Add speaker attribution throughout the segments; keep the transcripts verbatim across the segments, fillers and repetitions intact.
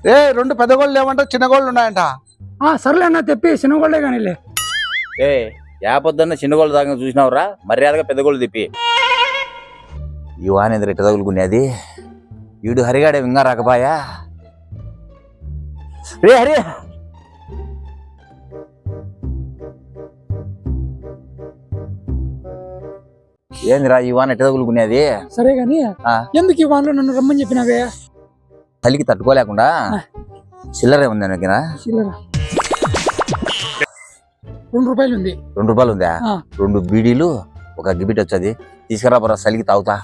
Speaker 1: ఏ రెండు పెద్ద గోళ్ళు లేవంట, చిన్న గోళ్ళు ఉన్నాయంట.
Speaker 2: సర్లే అన్న తెప్పి చిన్న గోళ్ళే కానీలే.
Speaker 3: ఏ యా పొద్దున్న చిన్న గోళ్ళు దాకా చూసినావురా, మర్యాదగా పెద్ద గోళ్ళు తిప్పి. ఈ వానేంద్ర ఇట్ట తగులుకునేది, వీడు హరిగాడే ఇంకా రాకపాయా. రే హరి, ఏందిరా ఈ వాన ఎట్ట తగులుకునేది?
Speaker 2: సరే గాని ఎందుకు ఈ వానలో నన్ను రమ్మని చెప్పినావే?
Speaker 3: చలికి తట్టుకోలేకుండా చిల్లరే ఉంది దగ్గర.
Speaker 2: చిల్లర రెండు రూపాయలు ఉంది.
Speaker 3: రెండు రూపాయలు ఉందా? రెండు బీడీలు ఒక గిబిట్ వచ్చేది తీసుకురా బరా, చలికి తాగుతా.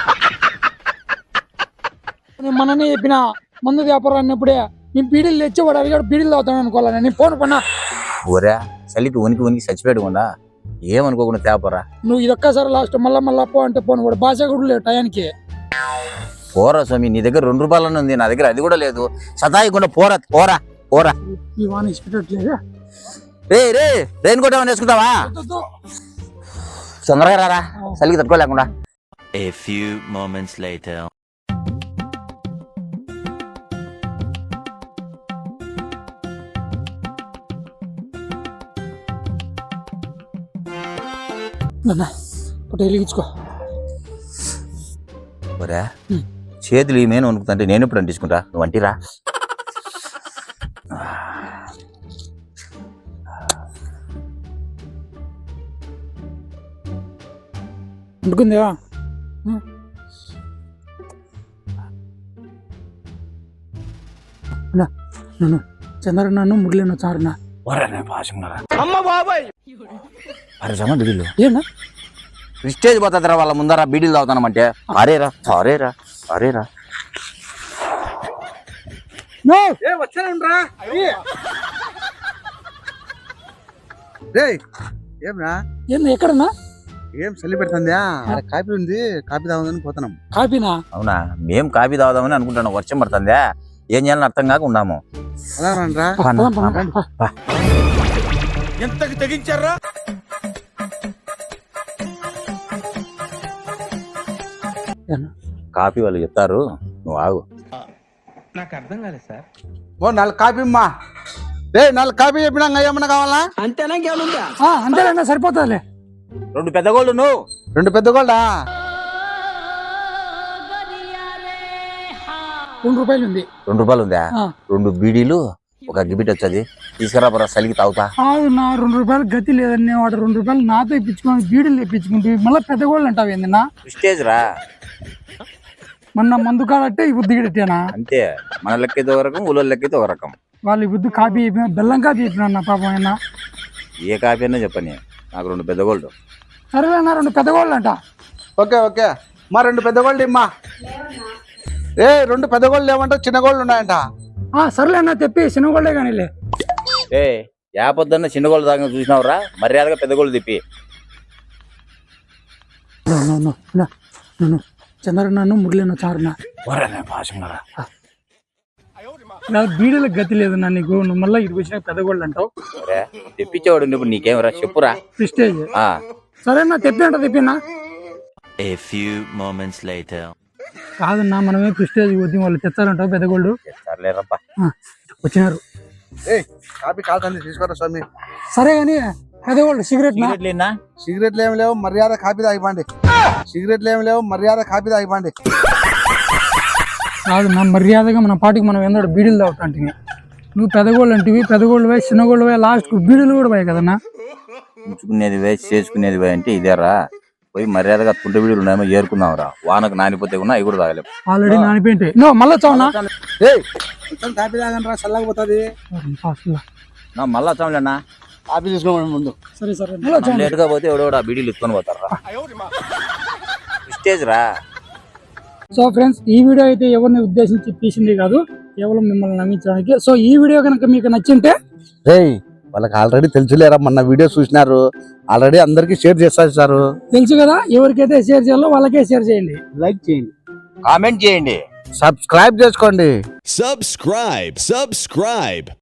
Speaker 2: నేను మననే చెప్పిన మందు వ్యాపారం అన్నప్పుడే నేను బీడీలు తెచ్చి వాడు అడిగాడు బీడీలు తాగుతాను అనుకోవాలా? నేను ఫోన్ పన్నా
Speaker 3: ఊరా చలికి వనికి వనికి చచ్చిపోయకుండా ఏమనుకోకుండా తేపరా.
Speaker 2: నువ్వు ఇది ఒక్కసారి లాస్ట్ మళ్ళా మళ్ళా పో అంటే పోను, వాడు భాష కూడా లేదు టయానికి.
Speaker 3: పోరా స్వామి, నీ దగ్గర రెండు రూపాయలు ఉంది, నా దగ్గర అది కూడా లేదు. సతాయికుండా పోరా పోరా పోరా.
Speaker 2: ఈ వాన ఇష్టపెట్టలేదు.
Speaker 3: రే రే రెయిన్ కోట్ ఏమైనా వేసుకుంటావా? తొందరగా రారా, చలికి తట్టుకోలేకుండా.
Speaker 4: A few moments later.
Speaker 2: వెలిగించుకో.
Speaker 3: ఒరే చేతులు ఈ మేను వణుకుతుంటే నేను ఎప్పుడు అంటించుకుంటా, నువ్వు అంటిరా.
Speaker 2: అంటుకుందా? నన్ను చంద్ర నన్ను మురళి చారునా
Speaker 3: బిడీలు
Speaker 2: ఏనా
Speaker 3: స్టేజ్ పోతుందిరా వాళ్ళ ముందర బీడీలు తాగుతానమంటే. అరేరా అరేరా అరేరా
Speaker 1: ఏమ్రా
Speaker 2: ఏం ఎక్కడన్నా
Speaker 1: ఏం చలి పెడుతుందా? కాపీ ఉంది, కాపీ తాగుదని పోతున్నాం.
Speaker 2: కాపీనా?
Speaker 3: అవునా, మేం కాపీ తాగుదామని అనుకుంటున్నాం. వర్షం పడుతుందా, ఏం చేయాలని అర్థం కాక ఉన్నాము.
Speaker 1: ఎంతకు తెగించారా?
Speaker 3: కాపీ వాళ్ళు చెప్తారు, నువ్వు ఆగు.
Speaker 5: నాకు అర్థం కాలేదు సార్.
Speaker 1: ఓ నాలుగు కాపీ అమ్మా. రే నాలుగు కాపీ చెప్పినా ఏమన్నా కావాలా?
Speaker 5: అంతేనా ఇంకేముందా?
Speaker 2: అంతేనా, సరిపోతుందిలే.
Speaker 3: రెండు పెద్ద గోళ్ళు నువ్వు.
Speaker 1: రెండు పెద్ద గోల్డా?
Speaker 2: రెండు రూపాయలు ఉంది.
Speaker 3: రెండు రూపాయలు ఉందా? రెండు బీడీలు ఒక గిబిట్ వచ్చేది తీసుకురా బరా, చలికి తాగుతా.
Speaker 2: నా రెండు రూపాయలు గతి లేదని వాడు రెండు రూపాయలు నాతో ఇప్పించుకొని బీడీలు తెప్పించుకుంటే మళ్ళీ పెద్ద గోళ్ళు అంటావు ఏందన్నా?
Speaker 3: స్టేజ్ రా,
Speaker 2: మొన్న మందు కాడట్టే ఈ బుద్ధి గిట్టేనా?
Speaker 3: అంతే, మన లెక్కైతే ఒక రకం, ఊళ్ళో లెక్కైతే ఒక రకం.
Speaker 2: వాళ్ళు ఈ బుద్ధి కాపీ చెప్పిన బెల్లం కాపీ చెప్పిన అన్న పాపం అయినా.
Speaker 3: ఏ కాపీ అన్నా చెప్పని, నాకు రెండు పెద్ద గోల్డ్.
Speaker 2: సరేనా, రెండు పెద్ద గోళ్ళు అంట.
Speaker 1: ఓకే ఓకే మా రెండు పెద్ద గోల్డ్ ఇమ్మా. ఏ రెండు పెద్ద గోళ్ళు లేవంట, చిన్న గోళ్ళు ఉన్నాయంట.
Speaker 2: సర్లేనా తెప్పి చిన్న గోళ్ళే కానీలే.
Speaker 3: ఏ యా పొద్దున్న చిన్న గోళ్ళు దాకా చూసినావురా, మర్యాదగా పెద్ద గోళ్ళు తిప్పి.
Speaker 2: చంద్ర నన్ను మురళి చారునా బీడీలకు గతి లేదు నా నీకు. నువ్వు మళ్ళీ ఇటు వచ్చిన పెద్ద గోళ్ళు అంటావు.
Speaker 3: తెప్పించేవాడు ఇప్పుడు నీకేమరా చెప్పురా.
Speaker 2: ప్రిస్టేజ్ సరేనా, తెప్పి అంట తెప్పినా.
Speaker 4: A few moments later.
Speaker 2: కాదన్నా, మనమే ప్రిస్టేజ్ పోతే వాళ్ళు తెచ్చారంటావు పెద్ద గోళ్ళు. వచ్చినారు.
Speaker 1: కాపీ కాల్సింది తీసుకోరా స్వామి.
Speaker 2: సరే గాని పెద్ద గోళ్ళు సిగరెట్
Speaker 1: సిగరెట్లు ఏమి లేవు, మర్యాద కాపీ తాగిపోండి. సిగరెట్లు ఏమి లేవు, మర్యాద కాపీ తాగిపోండి.
Speaker 2: కాదు నా మర్యాదగా మన పాటికి మనం ఏందో బీడీలు తాగుతాంటి. నువ్వు పెద్దగోళ్ళు అంటివి, పెద్దగోళ్ళు పోయి చిన్నగోళ్ళు పోయి లాస్ట్ బీడీలు కూడా పోయాయి కదన్నా.
Speaker 3: ఉంచుకునేది పోయి చేసుకునేది పోయి అంటే ఇదేరా. పోయి మర్యాదగా తుంట బీడీలు ఉన్నాయేమో ఏరుకుందాం రా, వానకు నానిపోతే కూడా అవి కూడా తాగలేము.
Speaker 2: ఆల్రెడీ నానిపోయింటాయి. నో మళ్ళా చావునా
Speaker 1: కాపీ తాగండి రా, చల్లకపోతుంది.
Speaker 3: మళ్ళా చావులేనా,
Speaker 1: కాపీ తీసుకోమని ముందు.
Speaker 2: సరే సరే
Speaker 3: లేటుగా పోతే ఎవడో ఆ బీడీలు ఇసుకొని పోతారా. స్టేజ్ రా.
Speaker 2: సో ఫ్రెండ్స్, ఈ వీడియో అయితే ఎవరిని ఉద్దేశించి తీసింది కాదు, కేవలం మిమ్మల్ని నమ్మించడానికి. సో ఈ వీడియో కనుక మీకు నచ్చింటే
Speaker 1: రేయ్ వాళ్ళకి ఆల్రెడీ తెలుసులేరా, మొన్న వీడియో చూసినారు, ఆల్రెడీ అందరికి షేర్ చేస్తారు.
Speaker 2: తెలుసు కదా, ఎవరికైతే షేర్ చేయాలో వాళ్ళకే షేర్ చేయండి,
Speaker 1: లైక్ చేయండి,
Speaker 3: కామెంట్ చేయండి,
Speaker 1: సబ్స్క్రైబ్ చేసుకోండి.
Speaker 6: Subscribe, subscribe.